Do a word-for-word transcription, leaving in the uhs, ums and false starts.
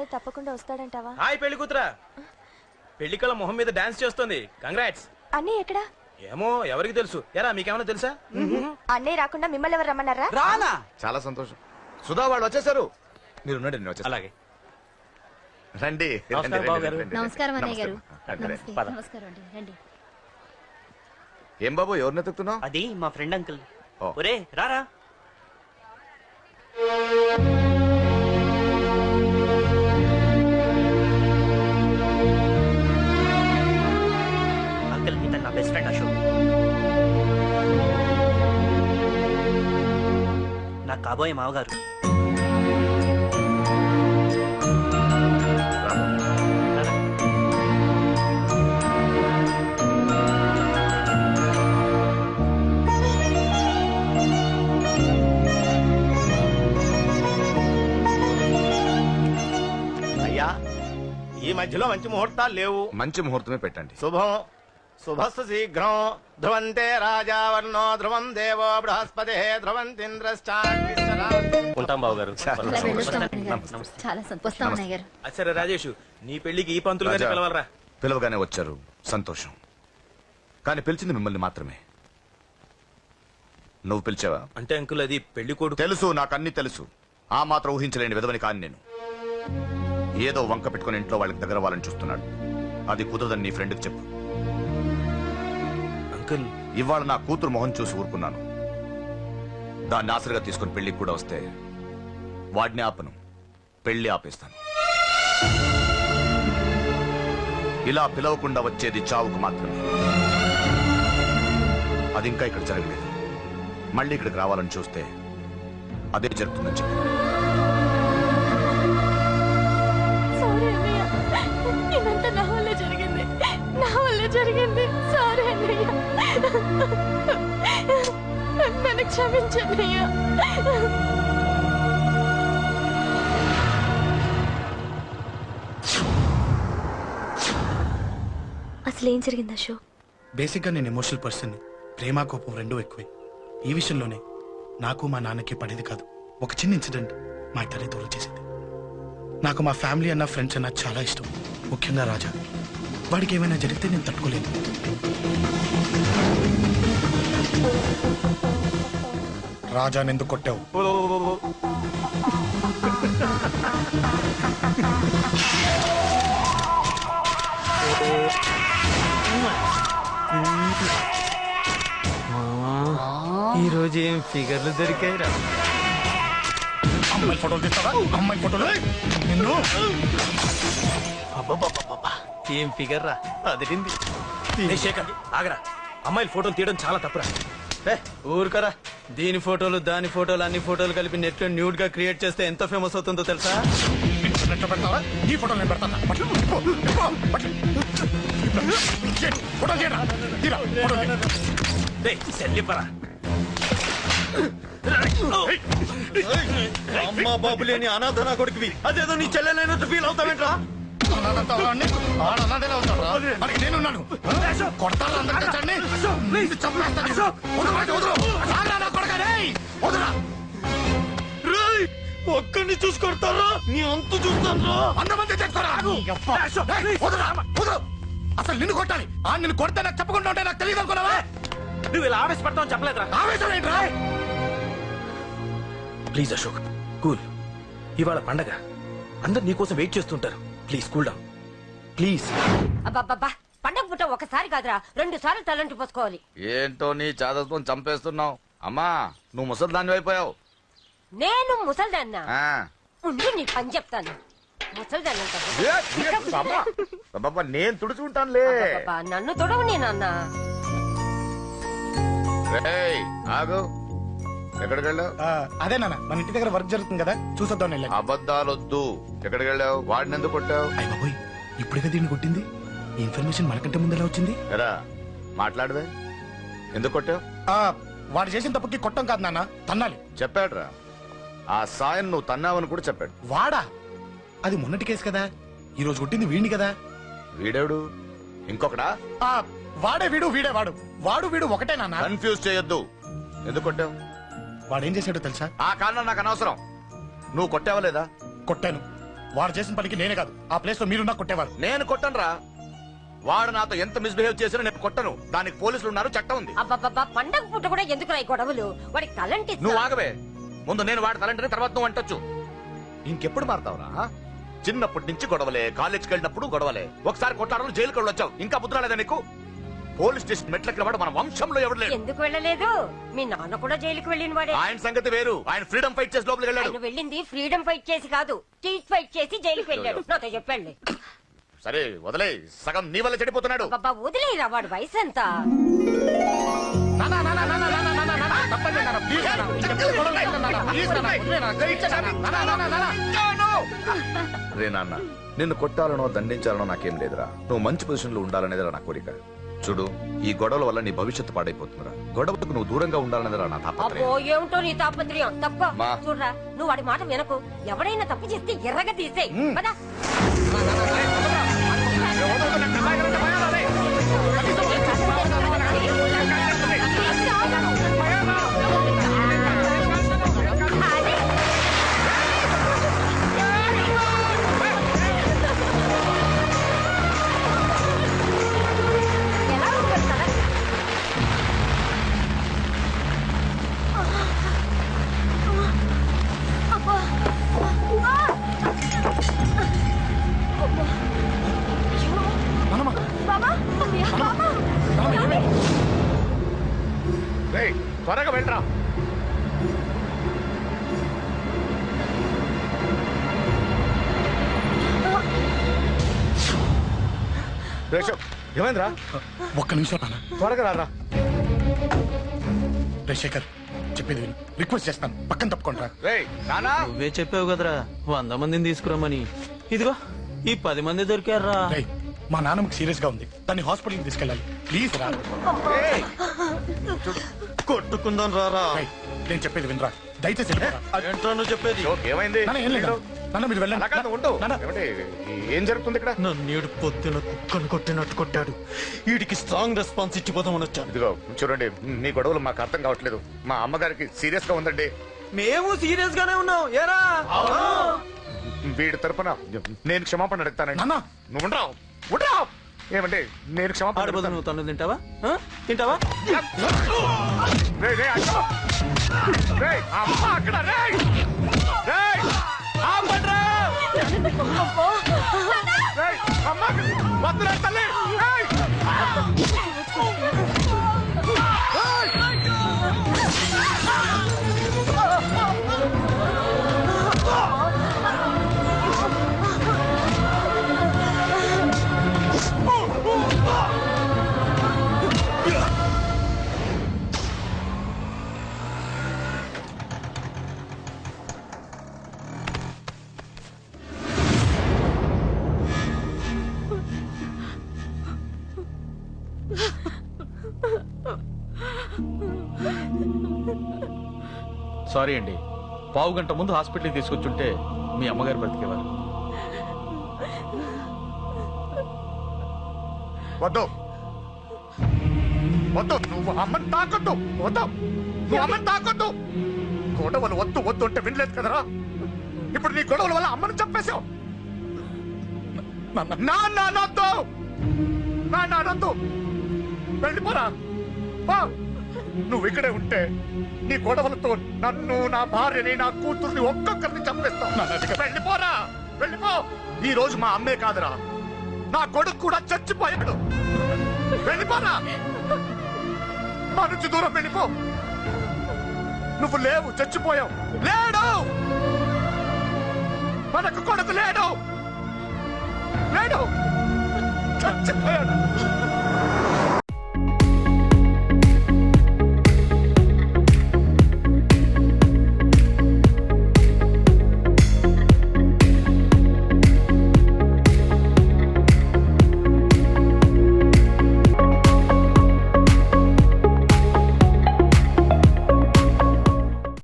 అన్నయ్య తప్పకుండా వస్తాడంటావా? హాయ్ పెళ్లి కూతురా, పెళ్లి కళ మొహం మీద డాన్స్ చేస్తుంది. కంగ్రాట్స్. అన్నయ్య ఎక్కడా? ఏమో ఎవరికి తెలుసు. ఎరా మీకేమైనా తెలుసా? అన్నయ్య రాకుండా మిమ్మల్ని ఎవరు రమ్మన్నారా? రానా? చాలా సంతోషం. సుధా వాళ్ళు వచ్చేసారు. మీరు ఉండండి, నేను వచ్చేస్తా. అలాగే. రండి. నమస్కారం బాబు గారు. నమస్కారం అన్నయ్య గారు. నమస్తే. నమస్కారం అండి, రండి. ఏం బాబు, ఎవరిని ఎత్తుకుతున్నావు? అది మా ఫ్రెండ్ అంకుల్. ఓ. ఒరే రారా. అంకుల్ ఇతను నా బెస్ట్ ఫ్రెండ్ అశోక్. నా కాబోయే మావగారు. ఈ మధ్యలో మంచి ముహూర్తాలు లేవు. మంచి ముహూర్తమే పెట్టండి. శుభం శుభస్సు శీఘ్రం. ధ్రువంతే రాజావర్ణో ధ్రువం దేవో బృహస్పతి ధ్రువంతింద్రశ్చాగ్నిశ్చ. ఉంటాం బాబు గారు. అలా వెళ్ళొస్తాం అన్నయ్య గారు. చాలా సంతోషం అన్నయ్య గారు. సరే రాజేష్, నీ పెళ్లికి ఈ పంతులు గారిని రాజా, పిలవాలరా. పిలవగానే వచ్చారు, సంతోషం. కానీ పిలిచింది మిమ్మల్ని మాత్రమే. నువ్వు పిలిచావా? అంటే అంకుల్ అది పెళ్లి కొడుకు. తెలుసు, నాకు అన్ని తెలుసు. ఆ మాత్రం ఊహించలేని విధవని కాని నేను. ఏదో వంక పెట్టుకుని ఇంట్లో వాళ్ళకి దగ్గర వాళ్ళని చూస్తున్నాడు. అది కుదరదని నీ ఫ్రెండ్కి చెప్పు. అంకుల్ ఇవాళ నా కూతురు మొహం చూసి ఊరుకున్నాను. దాన్ని ఆసరిగా తీసుకుని పెళ్లికి కూడా వస్తే వాడిని ఆపను, పెళ్లి ఆపేస్తాను. ఇలా పిలవకుండా వచ్చేది చావుకు మాత్రమే. అది ఇంకా ఇక్కడ జరగలేదు. మళ్ళీ ఇక్కడికి రావాలని చూస్తే అదే జరుగుతుందని చెప్పి. సారీ అన్నయ్య, ఇదంతా నా వల్ల జరిగింది, నా వల్ల జరిగింది. సారీ అన్నయ్య, నన్ను క్షమించన్నయ్య. అసలు ఏం జరిగింది అశోక్? బేసిక్ గా నేను ఎమోషనల్ పర్సన్. ప్రేమ కోపం రెండూ ఎక్కువే. ఈ విషయంలోనే నాకు మా నాన్నకి పడేది కాదు. ఒక చిన్న ఇన్సిడెంట్ మా ఇద్దరి దూరం చేసింది. నాకు మా ఫ్యామిలీ అన్న ఫ్రెండ్స్ అన్న చాలా ఇష్టం, ముఖ్యంగా రాజా. వాడికి ఏమైనా జరిగితే నేను తట్టుకోలేను. రాజా ఎందుకు కొట్టావు? ఈ రోజు ఏం ఫిగర్లు దొరికాయిరా. అమ్మాయి ఫోటోలు తీస్తావా? అమ్మాయి ఫోటోలు నిన్ను. ఏం ఫిగర్ రా, అదిరింది. ఏ శేఖర్ ఆగరా, అమ్మాయిల ఫోటోలు తీయడం చాలా తప్పురా. ఏ ఊరుకరా, దీని ఫోటోలు దాని ఫోటోలు అన్ని ఫోటోలు కలిపి నెట్ లో న్యూడ్ గా క్రియేట్ చేస్తే ఎంత ఫేమస్ అవుతుందో తెలుసా? ఇంటర్నెట్ లో పెడతావా? ఈ ఫోటోలు నేను పెడతాను. ఫోటోలు తీయరా, తీరా ఫోటోలు. సెల్లిపరా అమ్మా బాబు లేని అనాథ నా కొడుకువి, అదేదో నీ చెల్లెలైనట్టు ఫీల్ అవుతావేంట్రా? నేనున్నాను. కొడతాను అందరినీ తెచ్చండి. చంపేస్తాను. ఒక్కడిని చూసుకొడతారా? నీ అంతు చూస్తాను. అంతమంది తెచ్చుకోరా. అసలు నిన్ను కొట్టాలి. ఆ నిన్ను కొడితే నాకు చెప్పకుండా ఉంటే నాకు తెలియదు అనుకున్నావా? నువ్వు ఇలా ఆవేశపడతావు చెప్పలేదురా. ఆవేశం ఏంట్రా? Please Ashok, cool. ఇవాళ పండగ, అందరు నీకోసం వెయిట్ చేస్తుంటారు. Please cool down please. అబ్బబ్బబ్బా, పండగ పుట్ట ఒకసారి కాదురా, రెండు సార్లు తలంటి పోసుకోవాలి. ఏంటో నీ చాదత్వం చంపేస్తున్నావు. అమ్మా, నువ్వు ముసలి దాన్ని అయిపోయావు. నేను ముసల్దాన్నా? ఉండి నీ పని చెప్తాను. ముసల్దాన్నంట నేను తుడుచుకుంటానులే. నన్ను తొడవు నేనన్నా. ఆగు, ఎక్కడికి వెళ్ళావు? అదే నాన్న, మన ఇంటి దగ్గర వర్క్ జరుగుతుంది కదా, చూసొద్దాం. అబద్ధాలొద్దు. ఎక్కడికి వెళ్ళావు? వాడిని ఎందుకు కొట్టావు? అయ్య బాబోయ్, ఇప్పుడుగా దీన్ని కొట్టింది. ఈ ఇన్ఫర్మేషన్ మనకంటే ముందు ఎలా వచ్చింది? ఎరా మాట్లాడవే, ఎందుకు కొట్టావు? వాడు చేసిన తప్పుకి కొట్టం కాదు నాన్న, తన్నాలి. చెప్పాడురా, ఆ సాయం నువ్వు తన్నావని కూడా చెప్పాడు. వాడా? అది మొన్నటి కేసు కదా, ఈ రోజు కొట్టింది వీడిని కదా. వీడేడు ఇంకొకడా? వాడే వీడు, వీడే వాడు. వాడు వీడు ఒకటే నాన్న. కన్ఫ్యూజ్ చేయొద్దు. ఎందుకు కొట్టావు? వాడేం చేశాడో తెలుసా? ఆ కారణం నాకు అనవసరం. నువ్వు కొట్టావా లేదా? కొట్టాను. వాడు చేసిన పనికి నేనే కాదు ఆ ప్లేస్ లో మీరున్నా కొట్టేవారు. నేను కొట్టనురా. వాడు నాతో ఎంత మిస్బిహేవ్ చేసినా నేను కొట్టను. దానికి పోలీసులు ఉన్నారు, చట్టం ఉంది. అబ్బబ్బబ్బా పండగ పూట కూడా ఎందుకు ఈ గొడవలు? వాడికి తలంటి నువ్వు ఆగవే. ముందు నేను వాడి తలంటే తర్వాత నువ్వు అంటొచ్చు. ఇంకెప్పుడు మారుతావురా? చిన్నప్పటి నుంచి గొడవలే, కాలేజ్కి వెళ్ళినప్పుడు గొడవలే. ఒకసారి కొట్లాడలు జైలుకి వెళ్ళి వచ్చావు, ఇంకా బుద్ధి రాలేదా నీకు? పోలీస్ స్టేషన్ మెట్లకి వాడు మన వంశంలో ఎవరు లేడు. ఎందుకు వెళ్ళలేదు? మీ నాన్న కూడా జైలుకి వెళ్ళిన వాడే. ఆయన సంగతి వేరు. ఆయన ఫ్రీడమ్ ఫైట్ చేసి లోపలికి వెళ్ళాడు. ఆయన వెళ్ళింది ఫ్రీడమ్ ఫైట్ చేసి కాదు, స్ట్రీట్ ఫైట్ చేసి జైలుకి వెళ్ళాడు. నాతో చెప్పండి. సరే వదిలే, సగం నీ వల్ల చెడిపోతున్నాడు. బాబా వదిలేరా, వాడు వయసు ఎంత? నానా, నానా, నానా, నానా, నానా, నానా, తప్పండి నానా, ప్లీజ్ నానా. ఇంకెప్పుడు గొడవలు చేయను నానా, ప్లీజ్ నానా, వదిలే నానా, దయచేసి నానా, నానా, నానా, నానా. రే నాన్న, నిన్ను కొట్టాలనో దండించాలనో నాకేం లేదురా. నువ్వు మంచి పొజిషన్ లో ఉండాలనేదిరా నా కోరిక. చూడు, ఈ గొడవల వల్ల నీ భవిష్యత్తు పాడైపోతుందిరా. గొడవకు నువ్వు దూరంగా ఉండాలనేదిరా నా అబ్బో తాపత్రయం. ఏమిటో నీ తాపత్రయం. తప్ప మా. చూడరా, నువ్వు వాడి మాట వినకు. ఎవడైనా తప్పు చేస్తే ఎర్రగా తీసేయ్. పదా. రేయ్, త్వరగా వెళ్ళరా. రేషవ్, ఏమైందిరా? ఒక్క నిమిషం నాన్న. త్వరగా రారా. రే శేఖర్, చెప్పేది విను. రిక్వెస్ట్ చేస్తాను, పక్కన తప్పుకుంటా. రేయ్ నానా, నువ్వే చెప్పావు కదరా వంద మందిని తీసుకురమ్మని. ఇదిగో ఈ పది మంది దొరికారా. రేయ్, మా నాన్నకి సీరియస్ గా ఉంది, దాన్ని హాస్పిటల్కి తీసుకెళ్ళాలి. ప్లీజ్ రా. రేయ్, కొట్టుకుందాం రారా. రేయ్, నేను చెప్పేది వినరా, దయచేసి వెళ్ళిపోరా. ఏంట్రా నువ్వు చెప్పేది? జోక్ ఏమైంది? నాన్న, ఏం లేదు నాన్న, మీరు వెళ్ళండి. అలా కాదు, ఉండు. నాన్న. ఏమండి, ఏం జరుగుతుంది ఇక్కడ? నన్నేడు పొద్దున కుక్కను కొట్టినట్టు కొట్టాడు. వీడికి స్ట్రాంగ్ రెస్పాన్స్ ఇచ్చిపోదామని వచ్చాను. ఇదిగో చూడండి, మీ గొడవలు మాకు అర్థం కావట్లేదు. మా అమ్మగారికి సీరియస్ గా ఉందండి. మేము సీరియస్ గానే ఉన్నాం. ఏరా వీడి తరపున నేను క్షమాపణ అడుగుతానండి. నాన్న. నువ్వు ఉండరావు, ఉండరావు. ఏమంటే నేను క్షమాపణ ఆడబోదు అడుగుతాను. నువ్వు తను తింటావా? ఆ? తింటావా? రేయ్, రేయ్, అక్కడ. రేయ్, అమ్మ అక్కడ. రేయ్, రేయ్, ఆపండ్రా. రేయ్, అమ్మ అక్కడ. వద్దురా తల్లి. రేయ్. సారీ అండి, పావు గంట ముందు హాస్పిటల్కి తీసుకొచ్చుంటే మీ అమ్మగారు బ్రతికేవారు. వద్దు, వద్దు, నువ్వు అమ్మని తాకొద్దు. వద్దు, నువ్వు అమ్మని తాకొద్దు. గొడవలు వద్దు వద్దు అంటే వినలేదు కదరా. ఇప్పుడు నీ గొడవల వల్ల అమ్మని చంపేశావు. నాన్న అనొద్దు, నాన్న అనొద్దు. వెళ్ళిపోరా. పో. నువ్వు ఇక్కడే ఉంటే నీ గొడవలతో నన్ను, నా భార్యని, నా కూతుర్ని ఒక్కొక్కరిని చంపేస్తావు. వెళ్ళిపోరా, వెళ్ళిపో. ఈ రోజు మా అమ్మే కాదురా, నా కొడుకు కూడా చచ్చిపోయాడు. వెళ్ళిపోరా, మా నుంచి దూరం వెళ్ళిపో. నువ్వు లేవు, చచ్చిపోయావు. లేడు, మనకు కొడుకు లేడు, లేడు, చచ్చిపోయాడు.